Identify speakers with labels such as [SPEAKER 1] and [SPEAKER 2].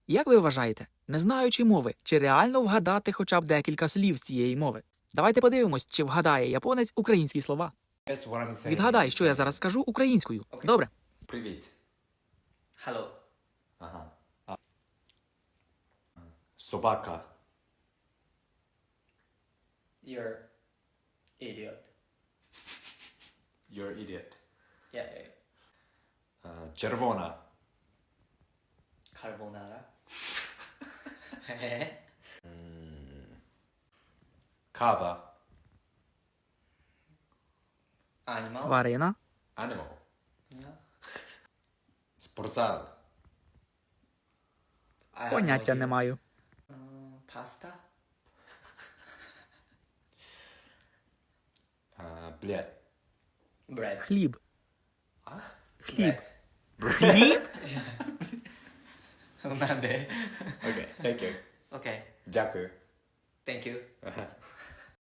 [SPEAKER 1] Як ви вважаєте, не знаючи мови, чи реально вгадати хоча б декілька слів з цієї мови? Давайте подивимось, чи вгадає японець українські слова.
[SPEAKER 2] Guess what I'm saying.
[SPEAKER 1] Відгадай, що я зараз скажу українською. Добре.
[SPEAKER 2] Привіт.
[SPEAKER 3] Hello.
[SPEAKER 2] Ага. Собака.
[SPEAKER 3] You're idiot.
[SPEAKER 2] You're idiot.
[SPEAKER 3] Yeah.
[SPEAKER 2] Червона.
[SPEAKER 3] Carbonara.
[SPEAKER 2] Кава.
[SPEAKER 3] Animal.
[SPEAKER 1] Тварина.
[SPEAKER 2] Animal.
[SPEAKER 3] Yeah.
[SPEAKER 2] Спортзал.
[SPEAKER 3] I have
[SPEAKER 1] Поняття
[SPEAKER 3] no
[SPEAKER 1] не
[SPEAKER 3] idea.
[SPEAKER 1] маю.
[SPEAKER 3] Pasta.
[SPEAKER 2] Блядь.
[SPEAKER 3] Bread.
[SPEAKER 1] Хліб.
[SPEAKER 2] А?
[SPEAKER 1] Хліб.
[SPEAKER 3] Bread.
[SPEAKER 1] Хліб?
[SPEAKER 3] なんで
[SPEAKER 2] Окей, thank you.
[SPEAKER 3] Okay.
[SPEAKER 2] Дякую.
[SPEAKER 3] Thank you.
[SPEAKER 2] Ага.